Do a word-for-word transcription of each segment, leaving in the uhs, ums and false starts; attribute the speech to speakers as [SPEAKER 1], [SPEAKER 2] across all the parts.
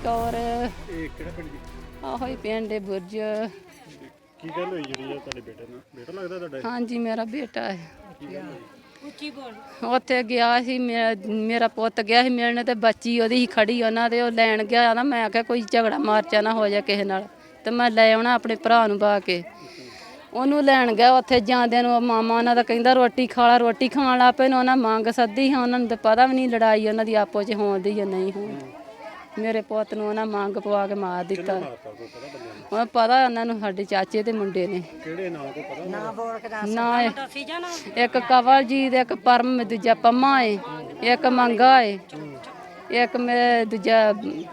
[SPEAKER 1] ਕੌਰ।
[SPEAKER 2] ਇਹ ਕਿਹੜਾ ਪਿੰਡ ਜੀ?
[SPEAKER 1] ਆਹੋ ਹੀ ਪਿੰਡ ਬੁਰਜ।
[SPEAKER 2] ਕੀ ਗੱਲ ਹੋਈ ਜਿਹੜੀ ਆ ਤੁਹਾਡੇ ਬੇਟੇ ਨਾਲ? ਬੇਟਾ ਲੱਗਦਾ ਤੁਹਾਡਾ?
[SPEAKER 1] ਹਾਂਜੀ ਮੇਰਾ ਬੇਟਾ ਹੈ।
[SPEAKER 2] ਕੀ ਗੱਲ ਹੋਈ?
[SPEAKER 1] ਉੱਚੀ ਬੋਲ। ਉੱਥੇ ਗਿਆ ਸੀ ਮੇਰਾ ਪੁੱਤ ਗਿਆ ਸੀ ਮਿਲਣ ਤੇ ਬੱਚੀ ਉਹਦੀ ਹੀ ਖੜੀ ਉਹਨਾਂ ਦੇ ਉਹ ਲੈਣ ਗਿਆ ਨਾ। ਮੈਂ ਕਿਹਾ ਕੋਈ ਝਗੜਾ ਮਾਰਚਾ ਨਾ ਹੋ ਜਾ ਕਿਸੇ ਨਾਲ ਤੇ ਮੈਂ ਲੈ ਆਉਣਾ ਆਪਣੇ ਭਰਾ ਨੂੰ ਬਾ ਕੇ। ਉਹਨੂੰ ਲੈਣ ਗਿਆ ਉੱਥੇ ਜਾਂਦਿਆਂ ਨੂੰ ਮਾਮਾ ਉਹਨਾਂ ਦਾ ਕਹਿੰਦਾ ਰੋਟੀ ਖਾ ਲਾ। ਰੋਟੀ ਖਾਣ ਲੱਗ ਪਏ ਨੇ ਉਹਨਾਂ ਮੰਗ ਸੱਦੀ ਹਾਂ। ਉਹਨਾਂ ਨੂੰ ਤਾਂ ਪਤਾ ਵੀ ਨਹੀਂ ਲੜਾਈ ਉਹਨਾਂ ਦੀ ਆਪੋ 'ਚ ਹੋਣ ਦੀ ਜਾਂ ਨਹੀਂ ਹੋਣ। ਮੇਰੇ ਪੁੱਤ ਨੂੰ ਉਹਨਾਂ ਮੰਗ ਪਵਾ ਕੇ ਮਾਰ ਦਿੱਤਾ। ਉਹ ਪਤਾ ਉਹਨਾਂ ਨੂੰ ਸਾਡੇ ਚਾਚੇ ਦੇ ਮੁੰਡੇ ਨੇ।
[SPEAKER 2] ਕਿਹੜੇ ਨਾਂ ਕੋ ਪਤਾ?
[SPEAKER 3] ਨਾ ਬੋਲ ਕੇ ਦੱਸ
[SPEAKER 1] ਨਾ ਇੱਕ ਕਵਲਜੀਤ ਇੱਕ ਪਰਮ ਦੂਜਾ ਪੰਮਾ ਏ ਇੱਕ ਮੰਗਾ ਏ ਇੱਕ ਮੇਰੇ ਦੂਜਾ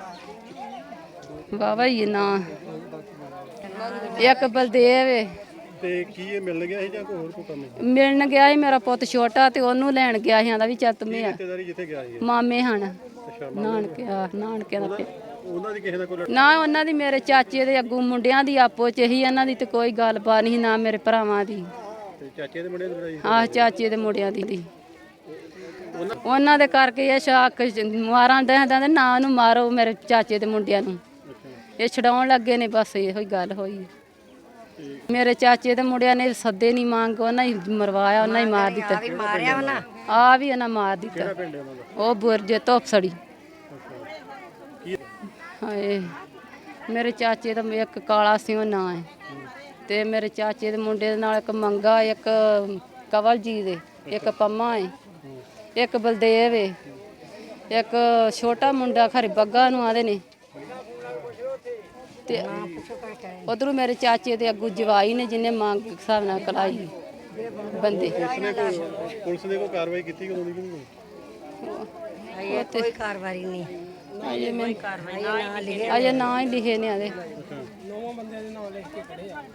[SPEAKER 1] ਬਾਬਾ ਹੀ ਨਾ ਇੱਕ ਬਲਦੇਵ ਏ।
[SPEAKER 2] ਤੇ ਕੀ ਇਹ ਮਿਲ ਗਿਆ ਸੀ ਜਾਂ ਕੋਈ ਹੋਰ ਕੋਈ ਕੰਮ ਹੈ?
[SPEAKER 1] ਮਿਲਣ ਗਿਆ ਸੀ ਮੇਰਾ ਪੁੱਤ ਛੋਟਾ ਤੇ ਉਹਨੂੰ ਲੈਣ ਗਿਆ ਸੀ ਆਂਦਾ ਵੀ ਚੱਤ ਮੇ ਆ
[SPEAKER 2] ਰਿਸ਼ਤੇਦਾਰੀ ਜਿੱਥੇ ਗਿਆ ਸੀ?
[SPEAKER 1] ਮਾਮੇ ਹਨ
[SPEAKER 2] ਅੱਛਾ।
[SPEAKER 1] ਨਾਨਕਿਆ ਨਾਨਕਿਆਂ ਦਾ ਪਿੰਡ।
[SPEAKER 2] ਉਹਨਾਂ ਦੀ ਕਿਸੇ ਦਾ ਕੋਈ?
[SPEAKER 1] ਨਾ ਉਹਨਾਂ ਦੀ ਮੇਰੇ ਚਾਚੇ ਦੇ ਅੱਗੂ ਮੁੰਡਿਆਂ ਦੀ ਆਪੋ ਚ ਹੀ ਇਹਨਾਂ ਦੀ ਤੇ ਕੋਈ ਗੱਲਬਾਤ ਨਹੀਂ ਨਾ ਮੇਰੇ ਭਰਾਵਾਂ ਦੀ।
[SPEAKER 2] ਤੇ ਚਾਚੇ ਦੇ ਮੁੰਡੇ ਦੀ ਲੜਾਈ?
[SPEAKER 1] ਆਹ ਚਾਚੇ ਦੇ ਮੁੰਡਿਆਂ ਦੀ ਦੀ ਉਹਨਾਂ ਦੇ ਕਰਕੇ ਇਹ ਸ਼ਾਕ ਮਾਰਾਂ ਦੇ ਕਹਿੰਦੇ ਨਾ ਉਹਨੂੰ ਮਾਰੋ ਮੇਰੇ ਚਾਚੇ ਦੇ ਮੁੰਡਿਆਂ ਨੂੰ। ਇਹ ਛਡਾਉਣ ਲੱਗੇ ਨੇ ਬਸ ਇਹੋ ਹੀ ਗੱਲ ਹੋਈ। ਮੇਰੇ ਚਾਚੇ ਦੇ ਮੁੰਡਿਆਂ ਨੇ ਸੱਦੇ ਨਹੀਂ ਮੰਗ ਉਹਨਾਂ ਹੀ ਮਰਵਾਇਆ ਉਹਨਾਂ ਹੀ ਮਾਰ ਦਿੱਤਾ।
[SPEAKER 3] ਮਾਰਿਆ ਉਹਨਾਂ
[SPEAKER 1] ਆ ਵੀ ਉਹਨਾਂ ਮਾਰ ਦਿੱਤਾ।
[SPEAKER 2] ਕਿਹੜਾ ਪਿੰਡ ਹੈ ਉਹਨਾਂ ਦਾ?
[SPEAKER 1] ਉਹ ਬੁਰਜ ਧੋਪਸੜੀ।
[SPEAKER 2] ਕੀ
[SPEAKER 1] ਹਾਏ ਮੇਰੇ ਚਾਚੇ ਦਾ ਇੱਕ ਕਾਲਾ ਸੀ ਉਹ ਨਾਂ ਹੈ ਤੇ ਮੇਰੇ ਚਾਚੇ ਦੇ ਮੁੰਡੇ ਦੇ ਨਾਲ ਇੱਕ ਮੰਗਾ ਇੱਕ ਕਵਲਜੀਤ ਦੇ ਇੱਕ ਪੰਮਾ ਹੈ ਇੱਕ ਬਲਦੇਵ ਹੈ ਇੱਕ ਛੋਟਾ ਮੁੰਡਾ ਖਰੇ ਬੱਗਾ ਨੂੰ ਆਦੇ ਨੇ ਤੇ ਉਧਰੋਂ ਮੇਰੇ ਚਾਚੇ ਦੇ ਅੱਗੂ ਜਵਾਈ ਨੇ ਜਿਹਨੇ ਮੰਗ ਹਿਸਾਬ ਨਾਲ ਕਲਾਈ ਬੰਦੇ।
[SPEAKER 2] ਪੁਲਿਸ ਨੇ ਕੋਈ ਕਾਰਵਾਈ ਕੀਤੀ ਕਦੋਂ ਦੀ?
[SPEAKER 3] ਇਹ ਕੋਈ ਕਾਰਵਾਈ ਨਹੀਂ
[SPEAKER 1] ਅਜੇ ਮੈਂ
[SPEAKER 3] ਕਾਰਵਾਈ ਨਾ ਲਿਖੇ
[SPEAKER 1] ਅਜੇ ਨਾਂ ਹੀ ਲਿਖੇ ਨੇ ਆਦੇ।
[SPEAKER 4] ਨੌਵਾਂ ਬੰਦਿਆਂ ਦੇ ਨਾਂ ਲਿਖ ਕੇ ਖੜੇ ਆ।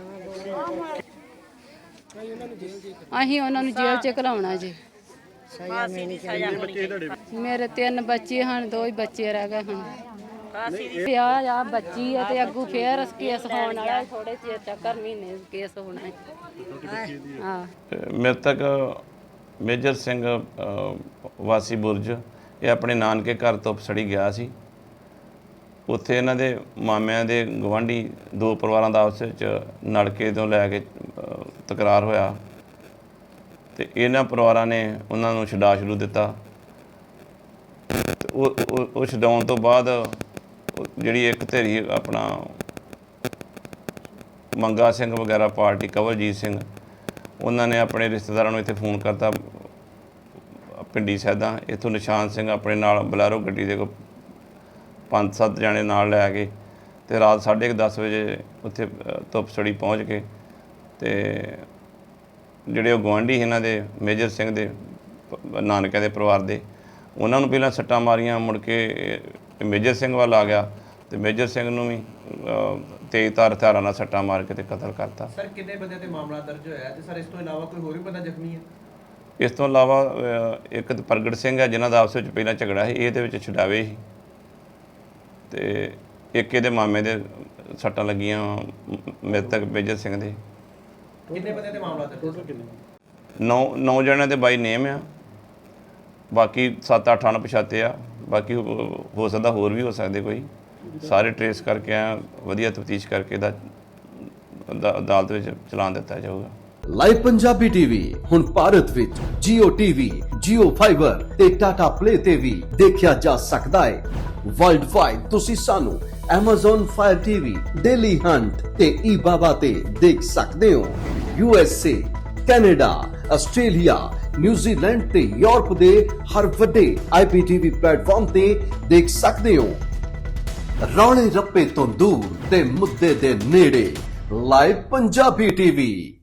[SPEAKER 1] ਅਸੀਂ ਉਹਨਾਂ ਨੂੰ ਜੇਲ੍ਹ 'ਚ ਘਲਾਉਣਾ ਜੀ।
[SPEAKER 3] ਸਜ਼ਾ ਮਿਲਣੀ ਚਾਹੀਦੀ।
[SPEAKER 2] ਬੱਚੇ ਤੁਹਾਡੇ?
[SPEAKER 1] ਮੇਰੇ ਤਿੰਨ ਬੱਚੇ ਹਨ ਦੋ ਹੀ ਬੱਚੇ ਰਹਿ ਗਏ ਹੁਣ। ਵਿਆਹ ਆ ਬੱਚੀ ਹੈ ਤੇ ਅੱਗੂ ਫੇਰ ਕੇਸ ਹੋਣ ਵਾਲਾ ਥੋੜੇ ਚਿਰ ਤੱਕ ਮਹੀਨੇ ਕੇਸ ਹੋਣਾ ਹੈ। ਹਾਂ
[SPEAKER 5] ਮ੍ਰਿਤਕ ਮੇਜਰ ਸਿੰਘ ਅ, ਵਾਸੀ ਬੁਰਜ ਇਹ ਆਪਣੇ ਨਾਨਕੇ ਘਰ ਤੋਂ ਪਸੜੀ ਗਿਆ ਸੀ। ਉੱਥੇ ਇਹਨਾਂ ਦੇ ਮਾਮਿਆਂ ਦੇ ਗਵਾਂਢੀ ਦੋ ਪਰਿਵਾਰਾਂ ਦਾ ਆਪਸ ਵਿੱਚ ਨਲਕੇ ਤੋਂ ਲੈ ਕੇ ਅ, ਤਕਰਾਰ ਹੋਇਆ ਤੇ ਇਹਨਾਂ ਪਰਿਵਾਰਾਂ ਨੇ ਉਹਨਾਂ ਨੂੰ ਛਡਾ ਛਡੂ ਦਿੱਤਾ। ਤੇ ਉਹ ਉਹ- ਉਹ ਛਡਾਉਣ ਤੋਂ ਬਾਅਦ ਉਹ ਜਿਹੜੀ ਇੱਕ ਧਿਰੀ ਆਪਣਾ ਮੰਗਾ ਸਿੰਘ ਵਗੈਰਾ ਪਾਰਟੀ ਕਵਲਜੀਤ ਸਿੰਘ ਉਹਨਾਂ ਨੇ ਆਪਣੇ ਰਿਸ਼ਤੇਦਾਰਾਂ ਨੂੰ ਇੱਥੇ ਫੋਨ ਕਰਤਾ ਪਿੰਡੀ ਸੈਦਾ। ਇੱਥੋਂ ਨਿਸ਼ਾਨ ਸਿੰਘ ਆਪਣੇ ਨਾਲ ਬਲੈਰੋ ਗੱਡੀ ਦੇ ਕੋਲ ਪੰਜ ਸੱਤ ਜਣੇ ਨਾਲ ਲੈ ਕੇ ਤੇ ਰਾਤ ਸਾਢੇ ਕੁ ਦਸ ਵਜੇ ਉੱਥੇ ਧੁੱਪਸੜੀ ਪਹੁੰਚ ਕੇ ਤੇ ਜਿਹੜੇ ਉਹ ਗੁਆਂਢੀ ਇਹਨਾਂ ਦੇ ਮੇਜਰ ਸਿੰਘ ਦੇ ਪ- ਨਾਨਕਿਆਂ ਦੇ ਪਰਿਵਾਰ ਦੇ ਉਹਨਾਂ ਨੂੰ ਪਹਿਲਾਂ ਸੱਟਾਂ ਮਾਰੀਆਂ। ਮੁੜ ਕੇ ਮੇਜਰ ਸਿੰਘ ਵੱਲ ਆ ਗਿਆ ਤੇ ਮੇਜਰ ਸਿੰਘ ਨੂੰ ਵੀ ਤੇਜ਼ ਧਾਰ ਹਥਿਆਰਾਂ ਨਾਲ ਸੱਟਾਂ ਮਾਰ ਕੇ ਤੇ ਕਤਲ ਕਰਤਾ।
[SPEAKER 4] ਸਰ ਕਿੰਨੇ ਬੰਦੇ ਤੇ ਮਾਮਲਾ ਦਰਜ ਹੋਇਆ ਤੇ ਸਰ ਇਸ ਤੋਂ ਇਲਾਵਾ ਕੋਈ ਹੋਰ ਵੀ ਬੰਦਾ ਜ਼ਖਮੀ ਹੈ?
[SPEAKER 5] ਇਸ ਤੋਂ ਇਲਾਵਾ ਅ, ਇੱਕ ਤਾਂ ਪ੍ਰਗਟ ਸਿੰਘ ਹੈ ਜਿਨ੍ਹਾਂ ਦਾ ਆਪਸ ਵਿੱਚ ਪਹਿਲਾਂ ਝਗੜਾ ਸੀ, ਇਹਦੇ ਵਿੱਚ ਛਡਾਵੇ ਸੀ ਤੇ ਇੱਕ ਇਹਦੇ ਮਾਮੇ ਦੇ ਸੱਟਾਂ ਲੱਗੀਆਂ ਮ੍ਰਿਤਕ ਮੇਜਰ ਸਿੰਘ ਦੇ।
[SPEAKER 4] ਕਿੰਨੇ ਬੰਦੇ ਤੇ ਮਾਮਲਾ ਦਰਜ?
[SPEAKER 2] ਟੋਟਲ ਕਿੰਨੇ?
[SPEAKER 5] ਨੌ ਨੌ ਜਣਿਆਂ ਦੇ ਬਾਈ ਨੇਮ ਆ, ਬਾਕੀ ਸੱਤ ਅੱਠ ਅਣਪਛਾਤੇ ਆ। ਬਾਕੀ ਹੋ ਹੋ ਸਕਦਾ ਹੋਰ ਵੀ ਹੋ ਸਕਦੇ ਕੋਈ। ਸਾਰੇ ਟਰੇਸ ਕਰਕੇ ਆ ਵਧੀਆ ਤਫਤੀਸ਼ ਕਰਕੇ ਦਾ ਅਦਾਲਤ ਵਿੱਚ ਚਲਾਨ ਦਿੱਤਾ ਜਾਊਗਾ।
[SPEAKER 6] ਲਾਈਵ ਪੰਜਾਬੀ ਟੀਵੀ ਹੁਣ ਭਾਰਤ ਵਿੱਚ ਜੀਓ ਟੀਵੀ, ਜੀਓ ਫਾਈਬਰ ਤੇ ਟਾਟਾ ਪਲੇ ਤੇ ਵੀ ਦੇਖਿਆ ਜਾ ਸਕਦਾ ਹੈ। ਵਰਲਡ ਵਾਈਡ ਤੁਸੀਂ ਸਾਨੂੰ Amazon Fire T V, Daily Hunt ਤੇ eBaba ਤੇ ਦੇਖ ਸਕਦੇ ਹੋ। U S A, Canada, Australia, New Zealand ਤੇ ਯੂਰਪ ਦੇ ਹਰ ਵੱਡੇ ਆਈ ਪੀ ਟੀ ਵੀ ਪਲੇਟਫਾਰਮ ਤੇ ਦੇਖ ਸਕਦੇ ਹੋ। ਰੌਲੇ ਰੱਪੇ ਤੋਂ ਦੂਰ ਤੇ ਮੁੱਦੇ ਦੇ ਨੇੜੇ ਲਾਈਵ ਪੰਜਾਬੀ ਟੀਵੀ।